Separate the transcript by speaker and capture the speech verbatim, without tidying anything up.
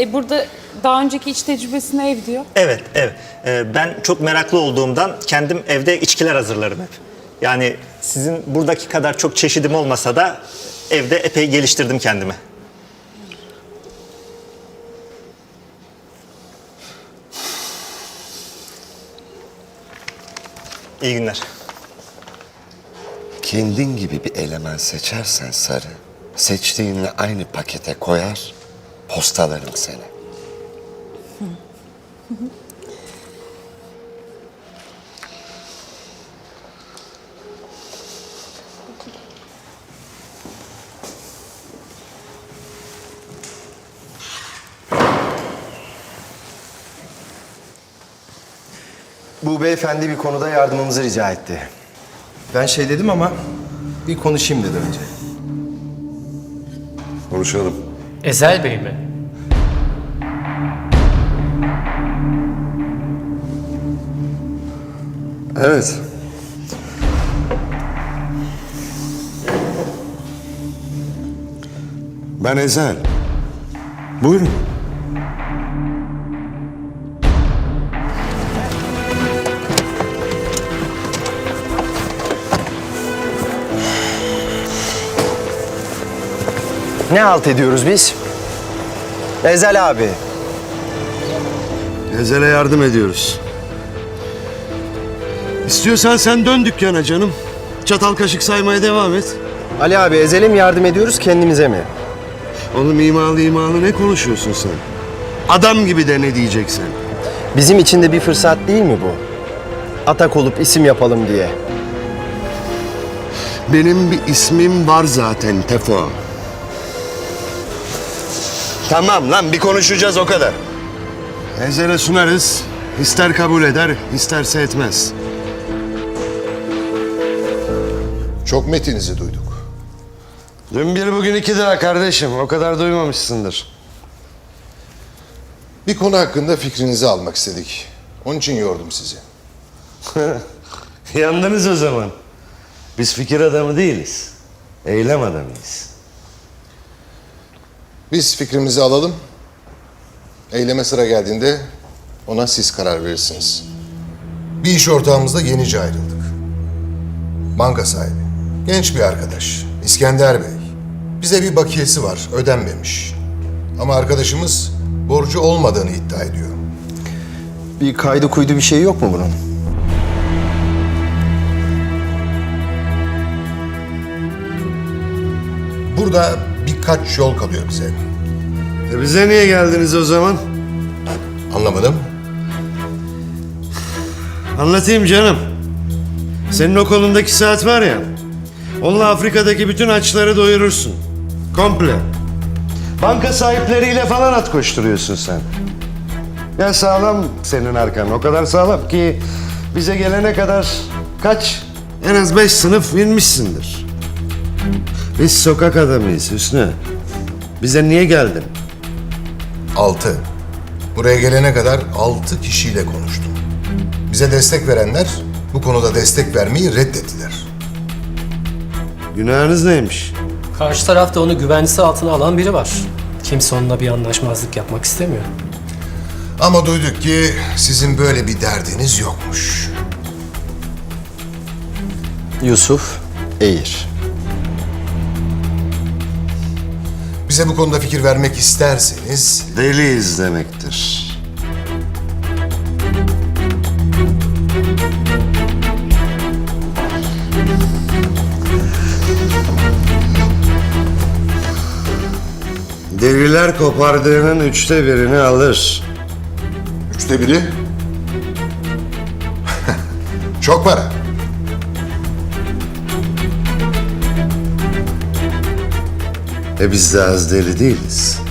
Speaker 1: E burada daha önceki iç tecrübesine ev diyor.
Speaker 2: Evet, evet. Ee, ben çok meraklı olduğumdan kendim evde içkiler hazırlarım hep. Yani sizin buradaki kadar çok çeşidim olmasa da evde epey geliştirdim kendimi. İyi günler.
Speaker 3: Kendin gibi bir eleman seçersen Sarı, seçtiğinle aynı pakete koyar, postalarım seni.
Speaker 4: Bu beyefendi bir konuda yardımımızı rica etti. Ben şey dedim ama bir konuşayım dedi önce.
Speaker 3: Konuşalım.
Speaker 5: Ezel Bey mi?
Speaker 3: Evet. Ben Ezel. Buyurun.
Speaker 4: Ne halt ediyoruz biz? Ezel abi.
Speaker 6: Ezel'e yardım ediyoruz. İstiyorsan sen dön dükkana canım. Çatal kaşık saymaya devam et.
Speaker 4: Ali abi Ezel'e mi yardım ediyoruz kendimize mi?
Speaker 6: Oğlum imalı imalı ne konuşuyorsun sen? Adam gibi de ne diyeceksin?
Speaker 4: Bizim için de bir fırsat değil mi bu? Atak olup isim yapalım diye.
Speaker 6: Benim bir ismim var zaten Tefo.
Speaker 3: Tamam lan bir konuşacağız o kadar.
Speaker 6: Ezel'e sunarız. İster kabul eder, isterse etmez.
Speaker 7: Çok metinizi duyduk.
Speaker 6: Dün bir bugün iki daha kardeşim. O kadar duymamışsındır.
Speaker 7: Bir konu hakkında fikrinizi almak istedik. Onun için yordum sizi.
Speaker 6: Yandınız o zaman. Biz fikir adamı değiliz. Eylem adamıyız.
Speaker 7: Biz fikrimizi alalım. Eyleme sıra geldiğinde ona siz karar verirsiniz. Bir iş ortağımızla yenice ayrıldık. Banka sahibi. Genç bir arkadaş. İskender Bey. Bize bir bakiyesi var. Ödenmemiş. Ama arkadaşımız borcu olmadığını iddia ediyor.
Speaker 4: Bir kaydı kuydu bir şey yok mu bunun?
Speaker 7: Burada birkaç yol kalıyor bize.
Speaker 6: E bize niye geldiniz o zaman?
Speaker 7: Anlamadım.
Speaker 6: Anlatayım canım. Senin o kolundaki saat var ya, onunla Afrika'daki bütün açları doyurursun. Komple. Banka sahipleriyle falan at koşturuyorsun sen. Ya sağlam senin arkan. O kadar sağlam ki bize gelene kadar kaç? En az beş sınıf inmişsindir. Biz sokak adamıyız Hüsnü. Bize niye geldin?
Speaker 7: Altı. Buraya gelene kadar altı kişiyle konuştum. Bize destek verenler bu konuda destek vermeyi reddettiler.
Speaker 6: Günahınız neymiş?
Speaker 5: Karşı tarafta onu güvencesi altına alan biri var. Kimse onunla bir anlaşmazlık yapmak istemiyor.
Speaker 7: Ama duyduk ki sizin böyle bir derdiniz yokmuş.
Speaker 4: Yusuf Eğir.
Speaker 7: Bize bu konuda fikir vermek isterseniz
Speaker 6: Deliyiz demektir. Deliler kopardığının üçte birini alır.
Speaker 7: üçte biri çok para.
Speaker 6: E biz de az deli değiliz.